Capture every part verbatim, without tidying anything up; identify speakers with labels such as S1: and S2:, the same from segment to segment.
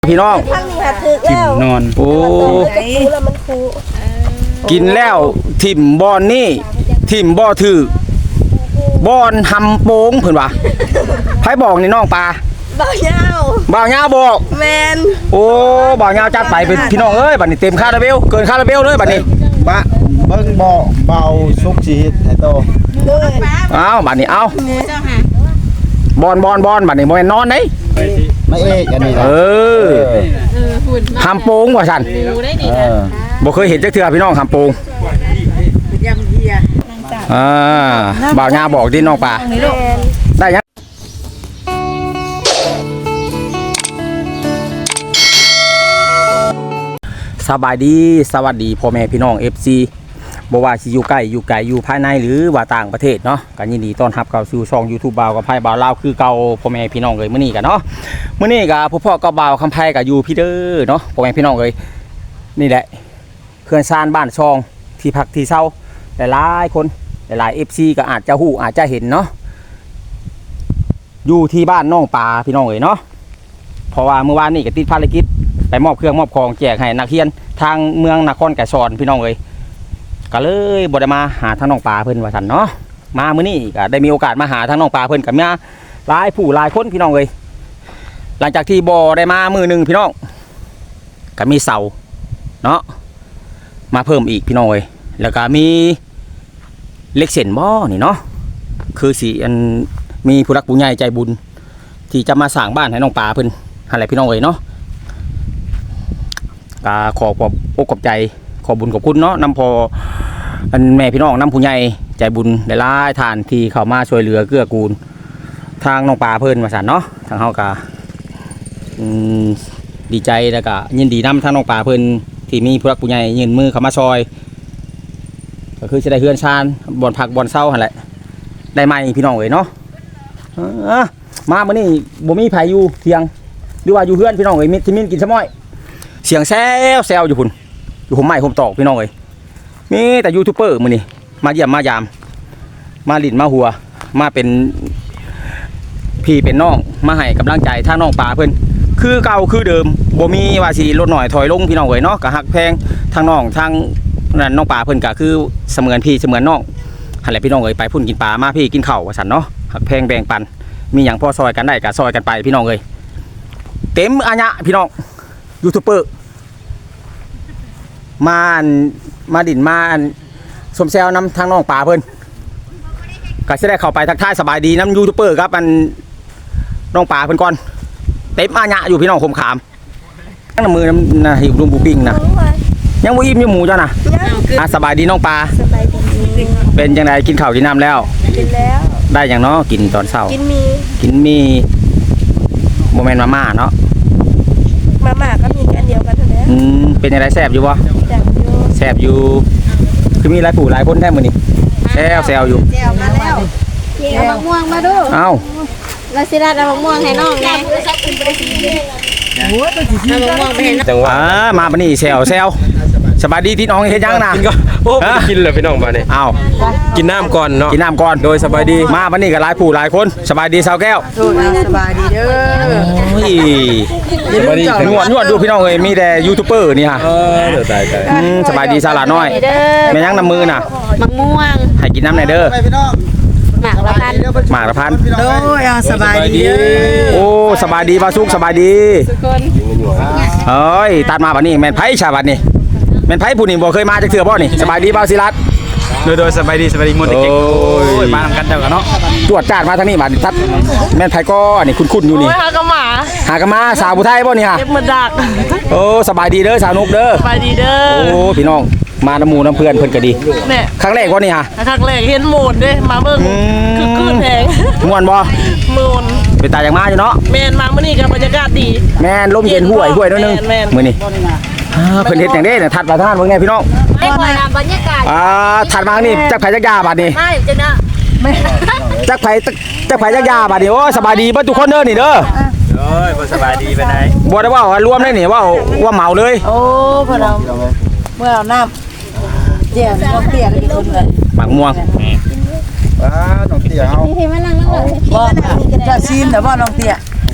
S1: พี่น้อง
S2: กิ
S1: กิ
S2: นนอน
S1: โอ้กินแล้วถิ่มบอนนี่ถิ่มบ่อถือบอนหำโป้งเพิ่นว่าไผบอกนี่น้องปลา
S3: บ่าวยาว
S1: บ่าวยาวบอก
S3: แมน
S1: โอ้บ่าวยาวจัดไปเป็นพี่น้องเอ้ยบัดนี้เต็มคาราเบลเกินคาราเบลเลยบัดนี้
S2: บะเบิ่งบ่เบาสุกสิเฮ็ดให้โต
S1: เอ้าบัดนี้เอ้าบอนบอนบอนบัดนี้บ่แม่นนอนเด้
S2: ไม่เอกอันนี้
S1: เออ
S4: เออหุ่น
S1: หำโป้งว่าซั่น
S4: ดูได้ดี
S2: เอ
S4: นะ
S2: อ
S1: บ่เคยเห็นจักเทื่อพี่น้องหำโป้งอ่าบ่าวยาวบอกดิน้องปลาได้ยังสบายดีสวัสดีพ่อแม่พี่น้อง เอฟ ซี บ่ว่าสิอยู่ใกล้อยู่ไกลอยู่ภายในหรือว่าต่างประเทศเนาะก็ยินดีต้อนรับเข้าสู่ช่อง YouTube บ่าวกับไผบ่าวลาวคือเก่าพ่อแม่พี่น้องเอ้ยมื้อนี้กันเนาะมื้อนี้ก็พ่อพ่อก็บ่าวคำไผก็อยู่พี่เด้อเนาะพ่อแม่พี่น้องเอ้ยนี่แหละเขื่อนซานบ้านช่องที่พักที่เช่าหลายๆคนหลายๆ เอฟ ซี ก็อาจจะฮู้อาจจะเห็นเนาะอยู่ที่บ้านน้องปลาพี่น้องเอ้ยเนาะเพราะว่าเมื่อวานนี้ก็ติดภารกิจไปมอบเครื่องมอบของแจกให้นักเรียนทางเมืองนครไก่ซอนพี่น้องเอ้ยก็เลยบ่ได้มาหาทางน้องปลาเพิ่นว่าซั่นเนาะมามื้อนี้ก็ได้มีโอกาสมาหาทางน้องปลาเพิ่นก็มาหลายผู้หลายคนพี่น้องเอ้ยหลังจากที่บ่ได้มามื้อนึงพี่น้องก็มีเสาเนาะมาเพิ่มอีกพี่น้องเอ้ยแล้วก็มีเล็กเส้นบ่นี่เนาะคือสิอันมีผู้รักผู้ใหญ่ใจบุญที่จะมาสร้างบ้านให้น้องปลาเพิ่นหั่นแหละพี่น้องเอ้ยเนาะก็ขอขอบอกขอบใจขอบุญขอบคุณเนาะนำพออันแม่พี่น้องนำผู้ใหญ่ใจบุญหลายๆท่านที่เข้ามาช่วยเหลือเกื้อกูลทางน้องปลาเพิ่นว่าซั่นเนาะทางเฮาก็อืมดีใจแล้วก็ยินดีนำทางน้องปลาเพิ่นที่มีผู้รักผู้ใหญ่ยื่นมือเข้ามาช่วยก็คือสิได้เฮือนชานบ่อนผักบ่อนเซาหั่นแหละได้ใหม่พี่น้องเอ้ยเนาะเออมามื้อนี้บ่มีไผอยู่เที่ยงหรือว่าอยู่เฮือนพี่น้องเอ้ยมิที่มินกินซะม้อยเสียงแซวแซวอยู่พุ่นอยู่ผมใหม่ผมตอกพี่น้องเอ้ยมีแต่ยูทูบเบอร์มื้อนี้มาเยี่ยมมายามมาลิ้นมาหัวมาเป็นพี่เป็นน้องมาให้กำลังใจทางน้องปลาเพิ่นคือเก่าคือเดิมบ่มีว่าสิลดหน่อยถอยลงพี่น้องเอ้ยเนาะก็ฮักแพงทางน้องทางนั้นน้องปลาเพิ่นก็คือเสมือนพี่เสมือนน้องหั่นแหละพี่น้องเอ้ยไปพุ่นกินปลามาพี่กินข้าวว่าซั่นเนาะฮักแพงแบ่งปันมีหยังพอซอยกันได้ก็ซอยกันไปพี่น้องเอ้ยเต็มอาญะพี่น้องยูทูบเบอร์มามาดินมาสมแซวนำทางน้องป่าเพิ่นก็จะได้เข้าไปทักทายสบายดีน้ำยูทูบเบอร์ครับมันน้องป่าเพิ่นก่อนเต็มอาญะอยู่พี่น้องคมขามตั้งมือน้ำนะหิวรุมบูปิ้งนะยังบ่อิ่มยังหมูจ้านะอ่ะสบายดีน้องป่าเป็นยังไงกินข้าวกินน้ำแล้ว
S3: กินแล้ว
S1: ได้อย่างเนาะกินตอนเช้า
S3: กินมี
S1: กินมีโมเมนต์มาม่าเนาะ
S3: มาม่าก็มีแค่เดียวกันเท่านั้น
S1: อืมเป็นยังไงแซ่บอยู่บ่แซ่บอยู่คือมีหลายผู้หลายคนแท้มื้อนี้แซวแซวอยู่
S3: แซวมาแล้ว
S4: เอามะม่วงมาดู
S1: เอ้า
S4: เราสิรัดเอามะม่วงให้น้องแน่เอามะม่วงไปให้น้อง
S1: จังหวะมาบัดนี้แซวแซวสบายดีที่น้องเฮ็ดยังนะ
S5: โอ้กินเลยพี่น้องมาเนี่ย
S1: อ้าว
S5: กินน้ำก่อนเนาะ
S1: กินน้ำก่อน
S5: โดยสบายดี
S1: มาบัดนี้ก็หลายผู้หลายคนสบายดีสาวแก้ว
S3: สบายดีเด้อ
S1: โอ้ย
S5: สบายดี
S1: นวดนวดดูพี่น้องเอ้ยมีแต่ยูทูบเบอร์นี่ฮะ
S5: เออเดี๋ยวตายตาย
S1: อืมสบายดีสาหร่าน้อยแม่ยังน้ำมือน่ะ
S4: มะม่วง
S1: ให้กินน้ำหน่อยเด้อ
S2: พี่น้อง
S4: หมากละพัน
S1: หมากละพัน
S2: โดยสบายดี
S1: โอ้สบายดีบาสุกสบายดี
S4: ทุกคน
S1: เอ้ยตัดมาบัดนี้แม่นไผชาบัดนี้แม่นไผผู้นี่บ่เคยมาจักเทื่อบ่นี่สบายดีบ่าวศิรัตน์
S5: โดยโดยสบายดีสบายดีหมดเด็กๆโอ้ยมาทำกันเจ้ากันเนาะ
S1: ตรวจจาดมาทางนี้บัดทัดแม่นไผก็นี่คุ้นๆอยู่นี่
S4: หากระหมา
S1: หากนมาสาวผู้ไทยบ่นี่ฮะ
S4: เจ็บมือดัก
S1: โอ้สบายดีเด้อสาวนุกเด้อ
S4: ไปดีเด้อ
S1: โอ้พี่น้องมาน้ำหมูน้ำเพื่อนเพิ่นก็ดี
S4: เนี่ย
S1: ครั้งแรกว่านี่ฮะ
S4: ครั้งแรกเห็นหมูนเด้มาเบิ่งคือคืนแพง
S1: ม่วนบ่
S4: หมูน
S1: เป็นตาอย่างมาอยู่เนาะ
S4: แมนมาเมื่อนี้กับบรรยากาศดี
S1: แม่นลมเย็นห่วยห่วยนิดนึง
S4: แม่น
S1: มื้อนี้อ่าเพิ่นเฮ็ดจังได๋น่ะถัดมาทางนั้นเบิ่งแน่พี่น้อง
S4: ไม่ควรบรรยากาศ
S1: อ่าถัดมานี่จักไผจักยาบัดนี้
S4: ใช่จังนะ
S1: จักไผจักไผจักยาบัดนี้โอ้สบายดีเบิดทุกคนเด้อนี่เด้อ
S5: โอ้ยสบายดีไปไหน
S1: บ่ได้ว่ารวมได้นี่ว่าว่าเหมาเลย
S3: โอ้พอเราเมื่อเราน้ำเจียวน้ำเตี้ยกันคนเลย
S1: หมักม่วง
S2: ว้าน้องเตี้ยเอา
S4: ที่มานั่งนั่งเลย
S3: บ่จะซีนแต่ว่าน้องเตี้ย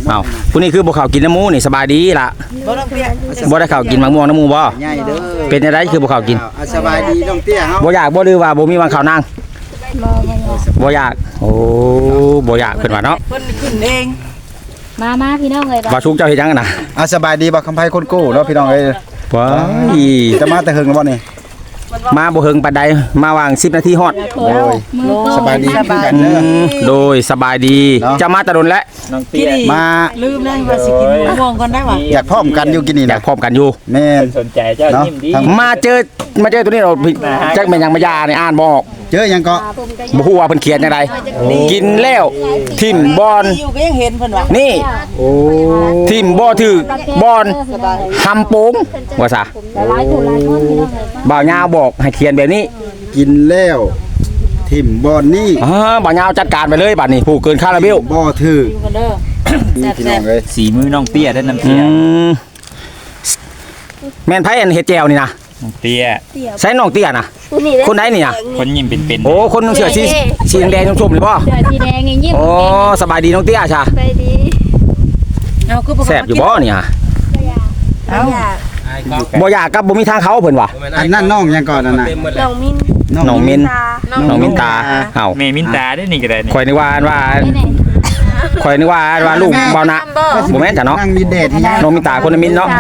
S1: อ้าวผู้นี้คือบ่เข้าวกินน้ำหมูนี่สบายดีล่ะ
S3: บ่ต้องเตี้ย
S1: บ่ได้เข้าวกินมะม่วงน้ำหมูบ่
S2: ใหญ่เด้อ
S1: เป็นจังไดคือบ่เข้าวกิน
S2: อ่ะสบายดีน้องเตี้ยเฮา
S1: บ่อยากบ่หรือว่าบ่มีวางข้าวนางบ่อยากโอ้บ่อยากเพิ่นว่าเนาะ
S3: เพิ่นขึ้นเอง
S4: มามาพี่น้องเลย
S1: ว่าชุกเจ้าเฮ็ดหยังกันน่ะ
S2: อ่ะสบายดีบ่คำไผคนกู้เนาะพี่น้องเอ้ย
S1: ว้าย
S2: จะมาแต่เฮิงแล้วบ่นี่
S1: มาบ่เฮิงปานใดมาวางสิบนาทีฮอด
S2: โอ้ยสบายดีคือกัน
S1: อื
S2: เด้อ
S1: มโดยสบายดี
S2: เนาะ
S1: จะมาแตะดนแล้ว
S3: กินอีก
S2: มา
S3: ลืมแล้วว่าสิกินมะม่วงก่อนได้ว่ะ
S2: อยากพร้อมกันอยู่กินนี่
S1: อยา
S2: นะ
S1: กพร้อมกันอยู่
S2: แม่น
S5: สนใจเจ้า
S2: เนาะ
S5: ยิ้มดี
S2: ทั้ง
S1: มาเจอมาเจอตัวนี้เราจักแม่นหยังมายานี่อ่านบ่ออก
S2: เจอหยังก็
S1: บ่ฮู้ว่าเพิ่นเขียนจังไดกินแล้วทิ่มบอน
S3: อยู่ก็ยังเห็นเพิ่นว่า
S1: นี่
S2: โอ้
S1: ทิ่มบ่ถือบอนทำโป่งว่าซะ
S4: หลายผู้หลายคนพี่น้องเลย
S1: บ่าวยาวบอกให้เขียนแบบนี้
S2: กินแล้วทิ่มบอนนี่
S1: อ่าบ่าวยาวจัดการไปเลยบัดนี้ผู้เกินคาราเบล
S2: บ่ถือ
S3: อยู่กันเด้อ
S2: นี่พี่น้องเอ้ย
S5: สีมือน้องเตี้ยได้น้ำ
S1: อื
S5: เตี้ย
S1: มแม่นไผอันเฮ็ดแจวนี่นะ
S5: น้องเตี้ย
S1: ใส่น้องเตี้ยน่ะคนไหนนี่น่ะ
S5: คนยิ้มเป็น
S1: โอ้คนเสื้อสีสีแดงๆชมๆนี่บ่
S4: เสื้อสีแดงนี่ยิ้ม
S1: โอ้สบายดีน้องเตี้ยจ้ะ
S4: ไปดี
S3: เอาคือ
S1: แซ่บอยู่บ่เนี่ย
S3: เอา
S1: บ่อยากกับบ่มีทางเขาเพิ่นว่ะ
S2: อันนั้นน้องหยังก่อนนั่นน่ะ
S6: น้องมิน
S1: น้องมินน้องมินตาเอ้า
S5: ๆเมมินตาได้นี่ก็ได้นี่
S1: ข่อยนึกว่าอันว่า
S4: นี่นี่
S1: ข่อยนึกว่าอันว่าลูกเบานะบ่แม่นจ้ะเนาะ
S2: นั่งมีแดดที่ยัง
S1: น้องมินตาคนละมินเนาะ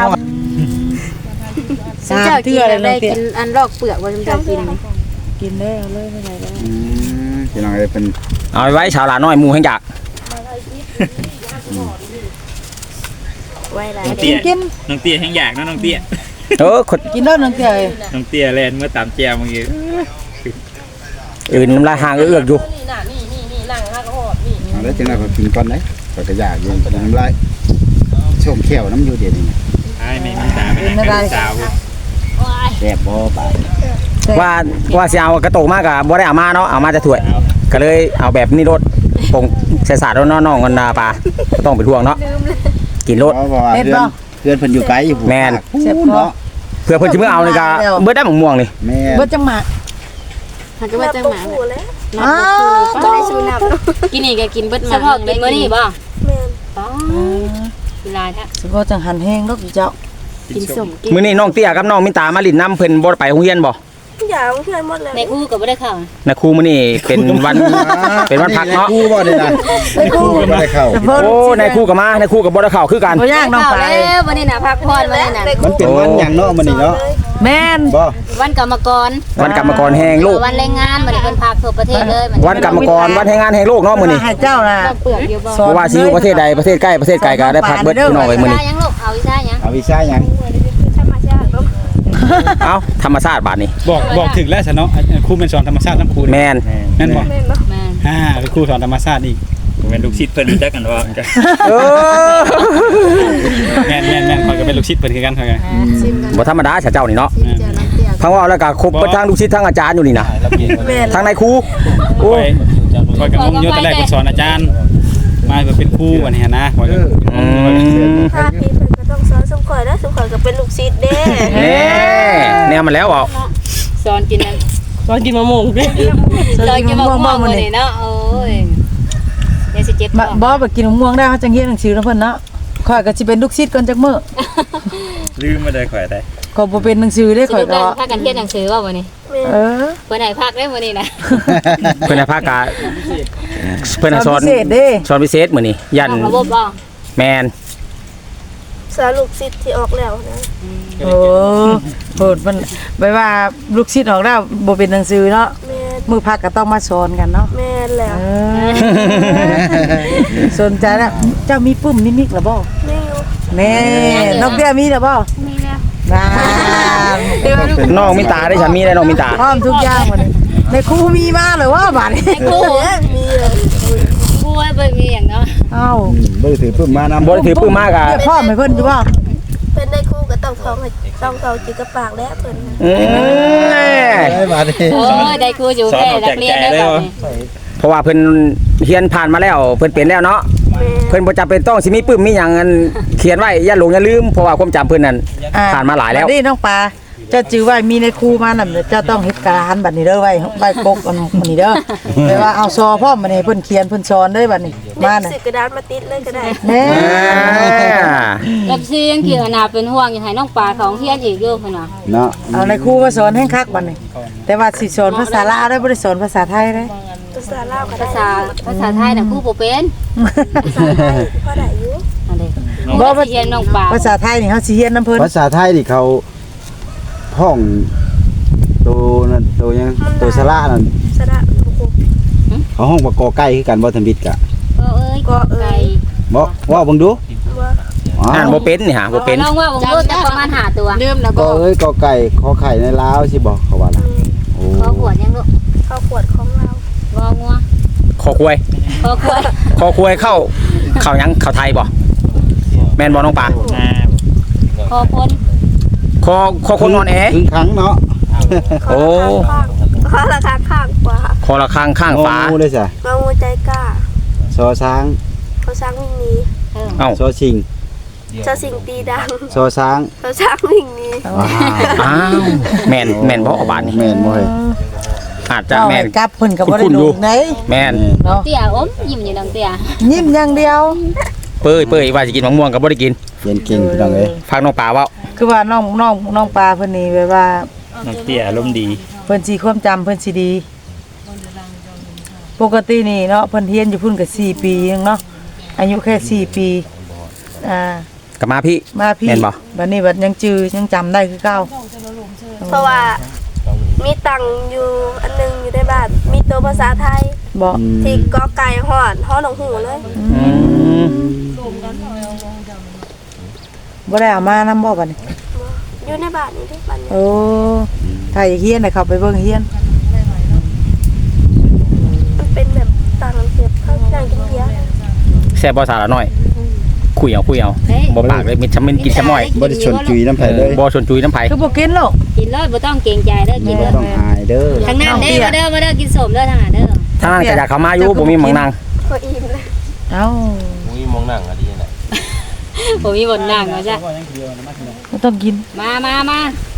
S3: สาม
S4: เจ้ากิ
S3: เทื่
S4: น
S3: อเลย
S4: ได้
S3: เนาะเตี้ย
S4: กินอันลอกเปลือกว่าจะกิน
S3: กินได้เอาเลยไม่ไหนแล้ว
S2: อืมพี่น้องเอ้ยเป็น
S1: เอาไว้ชาวลาน้อยหมู่แห่งจัก
S6: ไว้ไร
S5: น้องเตี้ยน้องเตี้ยแห้งอยากเนาะน้องเตี้ย
S1: เออคน
S3: กินแล้วน้องเตี้ย
S5: น้องเตี้ยแลนเมื่อตามแจวเมื่อกี้
S1: อื่นน้ำลายห่างเอื้อกอยู่
S2: เอาแล้วจังได๋ก็กินก่อนเด้ก็ก็อยากอยู่น้ำลายช่วงเขียวน้ำอยู่เดี๋ยวนี้
S5: ไอ้เมมินตาเป็นยังไงสาว
S2: แซ่บบ่บาด
S1: ว่าว่าสิเอากระโตกมากก็บ่ได้เอามาเนาะเอามาแต่ถ้วย ก็เลยเอาแบบนี้รถผงใส่สาดแล้วน้องๆกันนาปลาบ่ต้องเป็นห่วงเนาะกินรถ
S2: เพราะว่าเพื่อนเพื่อนเพิ่นอยู่ไกลอยู่
S1: แม่น
S3: เจ็บคอ
S2: เนาะ
S1: เพื่อเพิ่นสิมื้อเอานี่ก็เบิดได้หมกม่วงนี่
S2: แม่
S3: เบิดจังหมะ
S4: มันก็ว่าจังหมา
S6: ผูแล้ว
S3: อ้าว
S6: ก็ได้ชูนับ
S4: กินนี่ก็กินเบิดมาเฉพาะกินมื้อนี้บ่
S6: แม่น
S4: อ๋อเวลาถ้า
S3: สิบ่จังหันแห้งดอกเจ้า
S4: กินสมกิน
S1: มื้อนี้น้องเตี้ยกับน้องมินตามาลิ้นน้ำเพิ่นบ่ได้ไปโรงเรียนบ่
S6: อย่างเพื่อนหมดเลย
S4: ในคู่ก็บ่ได้เข้า
S1: นะครูมื้อนี้เป็นวัน เป็นวันพักเนาะ
S2: คู่บ่ได้นะคู่บ่ได้เข้า
S1: โอ้นายครูกับมานายครูกับบ่ได้เข้าคือกัน
S3: บ่ยากน้อง
S4: เข้า
S3: ไป
S4: แล้ววันนี้น่ะพักผ่อนวันนี้น่ะ
S2: มันเป็นวันหยังเนาะมื้อนี้เนาะ
S3: แม่น
S2: บ่
S4: วันกรรมกร
S1: วันกรรมกรแห่งโลก
S4: วันแรงงานมันเพิ่นพาทั่วประเทศเลย
S1: วันกรรมกรวันแห่งงานแห่งโลกเนาะมื้อนี้
S3: ให้เจ้าน่ะ
S4: เปลือกอยู่บ่
S1: เพราะว่าสิอยู่ประเทศใดประเทศใกล้ประเทศไกลก็ได้พักเบิดพี่น้องไว้มื้อนี้
S4: ยังลูกเอาอีซ่ายัง
S2: เอาวีซ่าหยัง
S6: ธรรมชาติลูก
S1: เอ้าธรรมชาติบาดนี้
S7: บอกบอกถึงแล้วฉันเนาะครูเป็นสอนธรรมชาติน้ำครู
S1: แม่น
S7: แม่นบอก
S6: แม่นเนาะ
S4: แม่
S7: อ่าเป็นครูสอนธรรมชาติอีก
S5: ผมเป็นลูกศิษย์เพิ่นรู้จักกันว่าจะ
S1: เออ
S7: แม่นแม่นแม่นคอยก็เป็นลูกศิษย์เพิ่นคือกันคอยกัน
S4: ชิมกัน
S1: บ่ธรรมดาเจ้านี่เนาะ
S4: ชิมเจอน้ำเตี้ย
S1: ทั้งว่าแล้วก็ครบเบิดทั้งลูกศิษย์ทั้งอาจารย์อยู่นี่นะ
S6: แม่น
S1: ทั้งนายครู
S7: ค
S1: โอ้
S7: อยคอยกับงงอยู่แต่แรกเป็นสอนอาจารย์ มาก็เป็นครูวันนี้นะคอยก็
S1: อืม
S6: ถ้าพี่เพิ่นก็ต้องสอนสมข่อยแล้วสมข่อยก็เป็นลูกศิษย์เด้
S1: แน่แนวมาแล้วเอา
S4: สอนกินนั่น
S3: ตอนกินมะม่วงดิ
S4: สอนกินมะม่วงมื้อนี้เนาะโอ้ยเดี๋ยวสิเจ็บ
S3: บ่บ่ไปกินมะม่วงได้เขาจังเรียนหนังสือแล้วเพิ่นเนาะข่อยก็สิเป็นลูกศิษย์ก่อนจักมื้อ
S5: ลืมมาได้ข่อยได้
S3: ก็บ่เป็นหนังสือเด้
S4: ส
S3: ข่อย
S4: รุปแล้
S3: ก็
S4: วพากันเรียนหนังสือว่ามื้อนี้
S6: แม่น
S3: เออ
S4: เพิ่นให้พักได้มื้อนี้นะ
S1: เพิ่นให้ภาคกาเพิ่นให้สอน
S3: พิเศษเด้
S1: สอนพิเศษมื้อนี้ยัน
S4: ระบบบ่
S1: แม่น
S6: สอนลูกศิษย์ที่ออกแล้วนะ
S3: โอ้โหดมันไปว่าลูกศิษย์ออกแล้วบ่เป็นหนังสือเนาะ
S6: แม่น
S3: มื้อพักก็ต้องมาสอนกันเนาะ
S6: แม่นแล้ว
S3: เออสนใจแล้วเจ้ามีปุ้มมีมิกหรือบ่
S6: ไม่อยู่
S3: แม่นกเบี้ยมีหรือบ่
S6: มีแล้ว
S3: น่า
S1: น้องมินตาได้ฉันมีได้น้องมินตา
S3: พร้อมทุกอย่างหมดเลยในครูมีมาหรือว่าบาดนี้
S4: ครู
S6: แม่นมีเลย
S4: ครูว่าเบิ่งมีหยังเนาะ
S3: เอ้า
S2: บ่ได้ถือปื้มมานำ
S1: บ่ได้ถือปื้มมากอ่ะ
S3: เรียกพ่อให้เพิ่นอยู่บ่
S6: เป็นได้ครูก็ต้องท้องให้ต้องเขาจิกกระปากแล้วเพิ่น
S1: อืม
S2: ได้บาดนี้
S4: โอ้ยได้ครูอยู่แค่นักเรียนได้บ่นี่
S1: เพราะว่าเพิ่นเรียนผ่านมาแล้วเพิ่นเป็นแล้วเนาะ
S6: แม่น
S1: เพิ่นบ่จำเป็นต้องสิมีปึ้มมีหยังอันเขียนไว้อย่าหลงอย่าลืมเพราะว่าความจำเพิ่นนั่น
S3: อ่
S1: ผ่านมาหลายแล้ว
S3: บัดนี้น้องปลาเจ้าจื้อไว้มีในครูมาน่ะเจ้าต้องเฮ็ดการบัดนี้เด้อไว้ใบกกอันนี้เด้อแปลว่าเอาซอพร้อมบัดนี้เพิ่นเขียนเพิ่นสอนเด้อบัดนี้มาน่ะ
S6: ซื้อกระดาษมาติดเลยก็ได้
S3: แน่
S4: เอฟซียังเกี่ยวนาเป็นห่วงอยู่ให้น้องปลาของเฮียนอีกอยู่พุ่นน่ะ
S2: เนาะ
S3: เอาในครูมาสอนให้คักบัดนี้แต่ว่าสิสอนภาษาลาวได้บ่ได้สอนภาษาไทยเด้
S6: ภาษาลาวก็
S4: ภา
S6: ได้
S4: ษาภาษาไทยน่ะครูบ่เป็น
S6: ภาษาไทยพอได้อยู่
S4: อันนี้
S3: บ่
S4: บ่เฮียนน้องปลา
S3: ภาษาไทยนี่เฮาสิเรียนนํเพิ่น
S2: ภาษาไทยนี่เขาห้องตัวนั่นตัวยังตัวสระนั่น
S6: สระบุก
S2: เขาห้องว่ากอไก่คือกันบ่ทันบิดกะ
S4: ก็เอ้ยก็เอ้ย
S2: บ่ว่าเบิ่งดู
S6: ว่า
S2: อ๋อ
S1: อ่านบ่เป็นนี่ฮะบ่เป็น
S4: น้องว่าบ่รู้จักประมาณห้าตัว
S3: ลืมแล้ว
S2: ก็
S3: บ่
S2: เอ้ยกอไก่ขอไข่ในลาวสิบอกเขาว่าล่ะโอ้
S4: ขอขวดยังลูก
S6: ข้าวขวดของเรา
S4: งองัว
S1: คอควาย
S4: ขอขวด
S1: คอควายเข้าเข้าหยังเข้าไทยบ่แม่นบ่น้องปลา
S4: ขอพ้น
S1: คอคอคนนอนแอ
S2: ถึงครั้งเนาะ
S1: โอ้
S6: ข้างราคาข้างกว่า
S1: คอละข้างข้างฟ้า
S2: งูเลยจ้ะ
S6: งองูใจกล้า
S2: ซอช้าง
S6: เขาช้างวิ่งหนี
S1: เอ้า
S2: ซอชิง
S6: ชาสิงตีดัง
S2: ซอช้าง
S6: เขาช้างวิ่งหนี
S2: ว้าว
S1: อ้าวแม่นแม่นบ่เอาบาดนี่
S2: แม่นบ่เฮ้ย
S1: อาจจะ
S3: เจ้า
S1: แม่น
S3: ให้กลับเพิ่นก็บ่ได้
S1: คุ้นๆอยู่
S3: ดูไหน
S1: แม่น
S3: เนาะ
S4: เตี้ยอมยิ้มอยู่ดังเตี้ย
S3: ยิ้มอย่างเดียว
S1: เป้ยเป้ยว่าสิกินมะม่วงก็บ่ได้กิน
S2: เรียนเก่งพี่น้องเอ้ย
S1: ฟังน้องปลาเว้า
S3: คือว่าน้องน้องน้องปลาเพิ่นนี่แบบว่า
S7: น้องเตี้ยอารมณ์ดี
S3: เพิ่นสิความจำเพิ่นสิดี ปกตินี่เนาะเพิ่นเรียนอยู่พุ่นก็สี่ปีนึงเนาะอายุแค่สี่ปีอ่า
S1: กลับมาพี่
S3: มาพี่
S1: แม่นบ่
S3: บัดนี้บัดยังจื้อยังจำได้คือเก่า
S6: เพราะว่ามีตังอยู่อันนึงอยู่ในบ้านมีตัวภาษาไทย
S3: บ่
S6: ที่กอไก่หอดหอหนองหูเลย
S1: อืม
S3: บ่ได้เอามานำบ่บัดนี้
S6: อยู่ในบ้านนี่ที่บ้านนี้
S3: โอ้ถ้าอยากเรียนน่ะเข้าไปเบิ่งเรียน
S6: มันเป็นแบบตังเก็บข้าวตังกินเบียร์
S1: แซ่บบ่สาระน้อย คุยเอาคุยเอาบ่ปากเลยมิดชำมินกินชำน้อย
S2: บ่ได้ชวนจุยน้ำไผเลย
S1: บ่ชวนจุยน้ำไผ
S3: คือบ่กินหรอก
S4: กินเลยบ่ต้องเกรงใจเด้อกิน
S2: บ่
S4: เด้อ
S2: ต้องอายเด้อ
S4: ทางนั้นเด้อมาเด้อมาเด้อกินสมเด้อทางนั้นเด้อ
S1: ทางนั้นก็อยากเข้ามาอยู่บ่มีหมังนาง
S6: พออิ่มเลย
S3: เอ้า
S4: ผมมีบนนั่งเนาะจ้ะ
S3: บ่ต้องกิน
S4: มามามา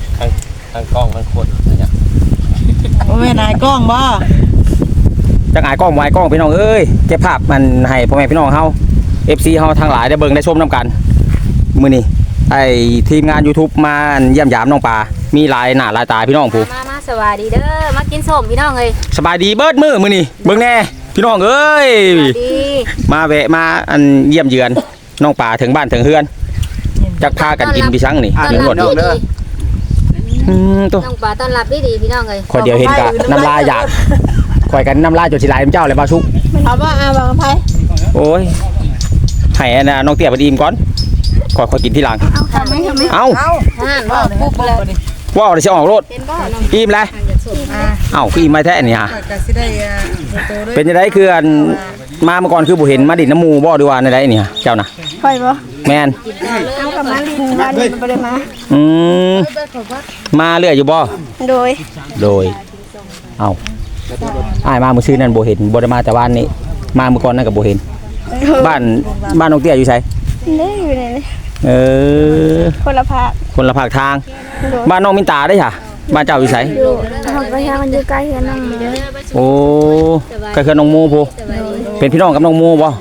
S3: บ่แม่นายกล้องบ่
S1: จักอายกล้องบ่อายกล้องพี่น้องเอ้ยเก็บภาพมันให้พ่อแม่พี่น้องเฮา เอฟ ซี เฮาทั้งหลายได้เบิ่งได้ชมนํกันมื้อนี้ไอ้ทีมงาน YouTube มาเยี่ยมยามน้องปลามีหลายหน้าหลายตาพี่น้องผู้
S4: มามาสวัสดีเด้อมากินสมพี่น้องเอ้ย
S1: สบายดีเบิดมื้อมื้อนี้เบิ่งแน่พี่น้องเอ้ย
S4: สวัสดี
S1: มาแวะมาอันเยี่ยมเยือนน้องปลาถึงบ้านถึงเฮือนจักพากันกินพี่ชังนี่
S4: ต้อน
S1: เดี๋ยว
S4: รับ
S1: หมด
S4: ดี
S1: อืมตัว
S4: น้องปลาต้อนรับดีดีพี่น้องเอ้ย
S1: ขอยเดียวเห็นกะน้ำลายอยากข่อยกันน้ำลายจนสิไหลายน้ำเจ้าเลยบ่าวชุก
S3: เอาบ่เอาบ่ไผ
S1: โอ้ยให้อันน่ะน้องเตี้ยไปดีมก่อนข่อยข่อยกินทีหลัง
S6: เอาทำไหมทำไหม
S1: เอ้า
S4: ห่านบ่ปุ๊บเลย
S1: ว้าวเดี๋ยวสิออกรถ
S4: เป็นบ่น้อง
S1: อิ่มเลย
S3: อ่า
S1: เอ้าคืออิ่มไม่แท้นี่ฮะ
S3: ก็สิได้อ่าโตๆด้วย
S1: เป็นจังไดคืออันมาเมื่อก่อนคือบ่เห็นมาดินน้ำหมูบ่ดีว่าในใดนี่ฮะเจ้าน่ะ
S6: ไปบ่
S1: แม่น
S6: เอากับมาลีบ้านนี้มันบ่ได้มา
S1: อืมมาเรื่อยอยู่บ่
S6: โดย
S1: โดยเอ้าอ้ายมามื้อซื่อนั้นบ่เห็นบ่ได้มาแต่ว่านนี้มาเมื่อก่อนนั้นก็บ่เห็น บ้านบ้านน้องเตี้ยอยู่ไส
S6: เด้อยู่ไหนนี่
S1: เออ
S6: คนละภาค
S1: คนละภาคทาง บ้านน้องมินตาได้ค่ะบ้านเจ้าอยู่ไส
S6: อยู่ทางไปทางมันอยู่ใกล้กันนั่งเด้อ
S1: โอ้ก็คือน้องโมพูเป็นพี่น้องกับน้องโมบ่
S6: บ่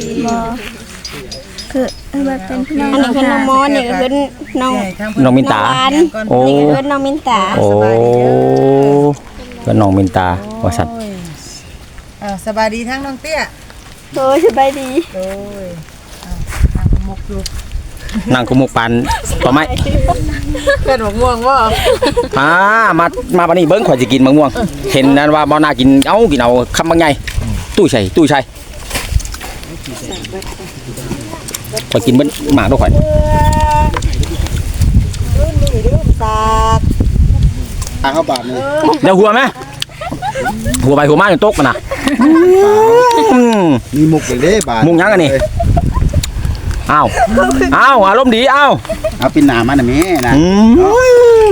S6: คือแบบเป็นพี่น้องอันนี้คือน้องมอนี่ก็คือน้อง
S1: น้องมินตา โอ้
S6: นี่ก็คือน้องมินตา
S1: โอ้ก็น้องมินตาว่าสัตว์
S3: อ่าสบายดีทั้งน้องเตี้ย
S6: โดยสบายดี
S3: โดยอ่าทางมุกอยู่
S1: นั่งกุมุกปันต่อไหม
S3: เพิ่นบ่ม่วงบ่
S1: อ่ามามาปานนี้เบิ้งข่อยสิกินมะม่วง เห็นนั้นว่าบ่น่ากินเอ้ากินเอาคำบางใหญ่ตู้ใส่ตู้ใส่ข่อยกินเบิ้งหมากด้วยข่อย
S3: รุ่นนี้รุ่นสาก
S2: ทางเข้าบาทนี่
S1: เดี๋ยวหัวไหมหัวไปหัวมาจนตกมันน่ะอืม
S2: มีมุกเลยเด้บาท
S1: มุกยังอันนี้ อ้าวอ้าวอารมณ์ดีอ้าว
S2: เอาปินหน้ามาน่ะแม่นะ
S1: อืม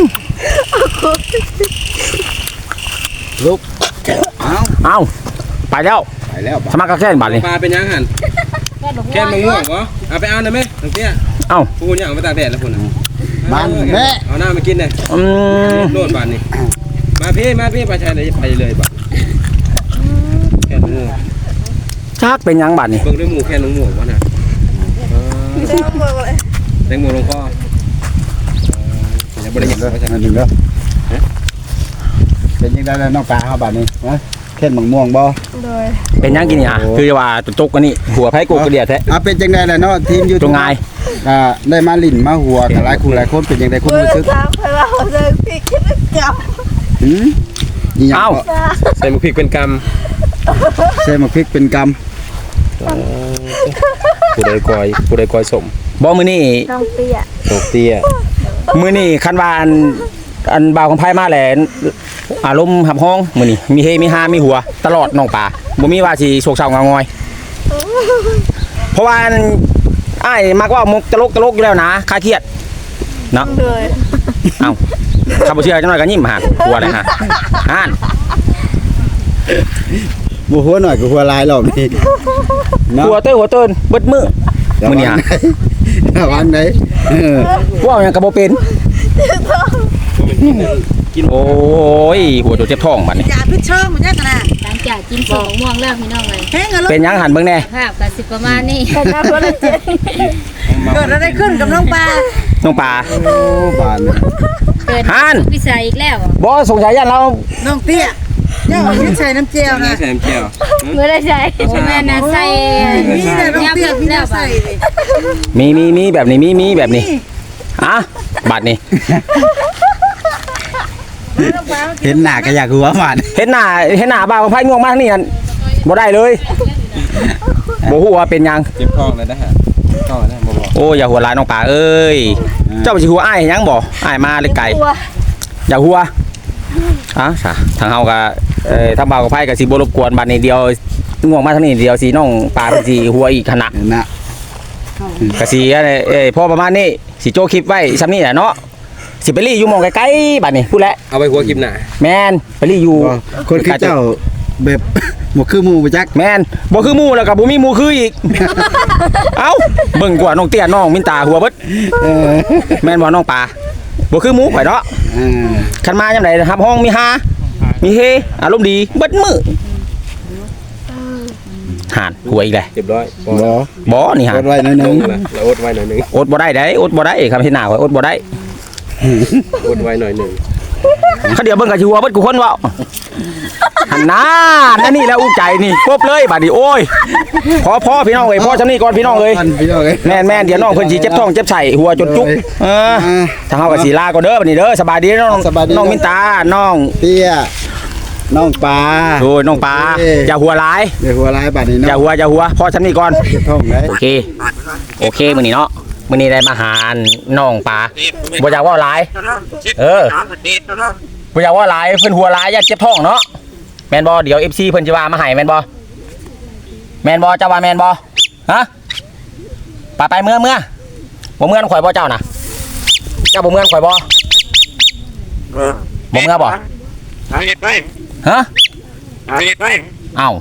S2: ลุกเอา
S1: อ้าวไปแล้ว
S2: ไปแล้วบาท
S1: สมัครกับแค่นบาทนี่
S5: ปลาเป็นยังหันแค่มะม่วงเหรอเอาไปเอาได้ไหมตรงเตี้ย
S1: เอ้า
S5: พูนอย่างเอาไปตากแดดแล้วพูนอ่ะ
S2: มันแม่
S5: เอาหน้ามากินเลย
S1: อืม
S5: โลดบานนี่มาพี่มาพี่ไปใช้เลยไปเลยบ่แค่หนู
S1: ชักเป็นหยังบัดนี่
S5: เบิ่งด้วยหมูแค่หนูหมูวะนะแตงโมลงคอจะบริ
S2: เด้
S5: จาค
S2: อ
S5: ไปใช่ไหม
S2: อันหนึงเด้อเป็นยังไงแล้วน้องปลาเฮาบัดนี้ฮะเข็นหมังม่วงบ่
S6: โดย
S1: เป็นหยังกินนี่อ่ะคือว่าตุกกันนี่หัวไผกูกระเดียดแท้
S2: อ่ะเป็นจังได๋ล่ะเนาะทีมอยู่
S1: ตรงไง
S2: อ่าได้มาลิ้นมาหัวกันหลายคู่หลายคนเป็นจังได๋คุณ
S6: เมื่อ
S2: รู้สึก
S6: เช้าไปว่าเขาจะพี่คิดกับ
S2: หืมอีหยัง
S1: เอ้า
S2: ก็
S5: ใส่หมูพริกเป็นก
S2: ใส่หมักพริกเป็นกำ
S5: ำผู้ใดกอยผู้ใดกอยสม
S1: บ่มื้อนี้
S6: น้องเปีย
S5: ตกเตี้ย
S1: มื้อนี้คันว่าอันอันบ่าวของไผมาแหละอารมณ์หับห้องมื้อนี้มีเฮมีฮามีหัวตลอดน้องป่าบ่มีว่าสิโศกเศร้าเหงางอย เพราะว่าอันอ้ายมักว่ามุกตลกตลกอยู่แล้วนะคลายเครียดเนาะ
S6: เลย
S1: เอ้าถ้าบ่เชื่อจังหน่อยก็ยิ้มหาหัวเลยฮะอ่าน
S2: บ่หัวหน่อยก็หัวหลายรอบนี้เนาะ
S1: หัวเต้ยหัวเติ้นเบิดมือมื้อนี้ฮะ
S2: ระวังได้เออ
S1: ว่าหยังก็บ่เป็นโอ้ยหัวโดนเจ็บท้องบัดนี้
S3: อย่าพิชช่องมันยากขนาด
S8: หลังจากกินส่งม่วงแล้วพี่น้องเลย
S3: แห้งกันลูก
S1: เป็นหยังหันเบิ่งแน่
S8: ภาพก็สิประมาณนี้
S6: แต่น้าคนละเจ็ด
S3: เกิดอะไรขึ้นกับน้องปลา
S1: น้องป่า
S2: โอ้บานเนี่ย
S8: เกิด
S1: ฮั่น
S8: พิสัยอีกแล้ว
S1: บ่สงสัยยันเรา
S3: น้องเตี้ยเจ้าเอาใส่น้ำเจียวนะ
S5: ใส่น้ำเจียว
S6: เมื่อได้ใช้
S8: โอ้แม่น่ะใส่
S3: นี่แหละน้องเตี้ยพี่น่าใส่เลย
S1: มีมีมีแบบนี้มีมีแบบนี้อ่ะบัดนี้
S2: เห็นหน้าก็อยากหัวหวาน
S1: เห็นหน้าเห็นหน้าบ่าวของไผง่วงมากนี่นั่นบ่ได้เลยบ่ฮู้ว่าเป็นหยัง
S5: เจ็บท้องเลยนะฮะท้องนะบ่บอก
S1: โอ้อย่าหัวร้ายน้องป่าเอ้ยเจ้าสิหัวอ้ายหยังบ่อ้ายมาเลยไกล
S6: ตัว
S1: อย่าหัวอ่ะซะทางเฮาก็เอ่อทางบ่าวกับไผก็สิบ่รบกวนบัดนี้เดียวง่วงมาทางนี้เดียวสิน้องป่าเพิ่นสิหัวอีกขนาด
S2: เห็นนะ
S1: ก็สิเอ้ยเอ้ยพอประมาณนี้สิโจคลิปไว้ซ้ำนี้แหละเนาะสิไปรีอยู่หม่องไกลๆบัดนี้พูดแล้ว
S5: เอาไปหัวกิมหน่ะ
S1: แม่นไปรีอยู่
S2: ก็คนคือเจ้าแบบ บ่คือหมู่บ่จัก
S1: แม่นบ่คือหมู่แล้วก็บ่มีหมู่คืออีก เอ้าเบิ่งกว่าน้องเตี้ยน้องมินตาหัวเบิด
S2: เออ
S1: แม่นบ่น้องป่าบ่คือหมู่ข่อยเนาะ
S2: เออ
S1: คันมายามใดครับห้องมีฮามีเฮอารมณ์ดีเบิดมือหานหัวอีกเลย
S5: เรียบร้อยบ่
S2: บ่
S1: บ่นี่หาก
S2: ดไว้หน่อยหนึ
S5: ล
S2: ง
S5: งละเราอดไว้หน่อยหนึง
S1: อดบ่ได้ได้อดบ่ได้ครับเห็นหน้าข่อยอดบ่ได้
S5: อดไว้หน่อยหนึง
S1: เขาเดี๋ยวเบิ่งก็สิหัวเบิดกูคนเว้าหันหน้านั่นนี่แล้วอุ้ใจนี่ครบเลยบัดนี้โอ้ยพอพอพี่น้องเอ้ยพอซำนี้ก่อนพี่น้องเอ้ย
S2: ก่อนพี่น้องเอ้ย
S1: แม่นแม่นเดี๋ยวน้องเพิ่นสิเจ็บท้องเจ็บไส้หัวจนจุกเออถ้าเฮาก็สิลาก่อนเด้อบัดนี้เด้อสบายดีน้อง
S2: สบายดี
S1: น้องมินตาน้อง
S2: เตี้ยน้องปลา
S1: โอ้ยน้องปลา
S2: เอ้ย
S1: อย่าหัวร้าย
S2: เดี๋ยวหัวหลายบาดนี้
S1: อย่า
S2: เนาะ
S1: หัวอย่าหัวพอซำนี้ก่อน
S2: เก็บท้องได้
S1: โอเค โอเคมื้อนี้เนาะมื้อนี้ได้มาหาน้องปลาบ่อยากเว่าหลาย เออบ่อยากเว่าหลายเพิ่นหัวหลายอย่าเจ็บท้องเนาะแม่นบ่เดี๋ยว เอฟ ซี เพิ่นสิว่ามาให้แม่นบ่แม่นบ่เจ้าว่าแม่นบ่ฮะไปไปเมื่อเมื่อบ่เมื่อนข่อยบ่เจ้าน่ะเจ้าบ่เมื่อนข่อยบ่บ่เมื่อบ่ฮะเอ้า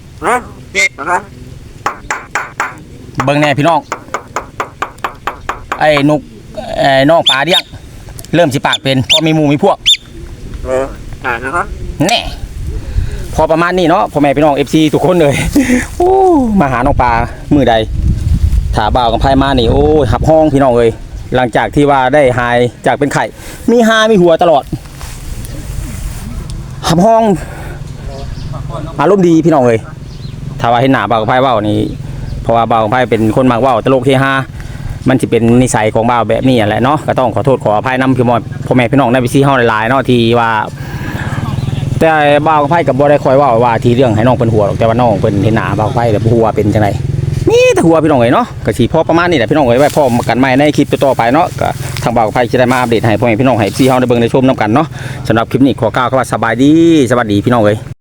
S1: เบิ่งแน่พี่น้องไอ้นุกไอ้น้องปลาเดี้ยงเริ่มสิปากเป็นพอมีหมู่มีพวกแน่พอประมาณนี้เนาะพ่อแม่พี่น้อง เอฟ ซี ทุกคนเลย โอ้มาหาน้องปลามือใดถาบ่าวกับไผมานี่โอ้ยหับห้องพี่น้องเอ้ยหลังจากที่ว่าได้หายจากเป็นไข่มีหามีหัวตลอดหับห้องอารมณ์ดีพี่น้องเอ้ยถ้าว่าเห็นหน้าบ่าวกับไผเว้านี่เพราะว่าบ่าวกับไผเป็นคนมักเว้าตลกเฮฮามันจะเป็นนิสัยของบ่าวแบบนี้แหละเนาะก็ต้องขอโทษขออภัยนำพี่มอพ่อแม่พี่น้องในวิซีเฮาหลายๆเนาะที่ว่าแต่บ่าวกับไผกับบ่ได้คอยเว่าว่าที่เรื่องให้น้องเพิ่นหัวหรอกแต่ว่าน้องเพิ่นเห็นหน้าบ่าวกับไผแล้วหัวเป็นจังไดมีแต่หัวพี่น้องเอ้ยเนาะก็สิพอประมาณนี้แหละพี่น้องเอ้ยไว้พอกันใหม่ในคลิปต่อๆไปเนาะก็ทางบ่าวกับไผสิได้มาอัปเดตให้พ่อแม่พี่น้องให้ซีเฮาได้เบิ่งได้ชมนํกันเนาะสำหรับคลิปนี้ขอกล่าวคำว่าสบายดีสวัสดีพี่น้องเอ้ย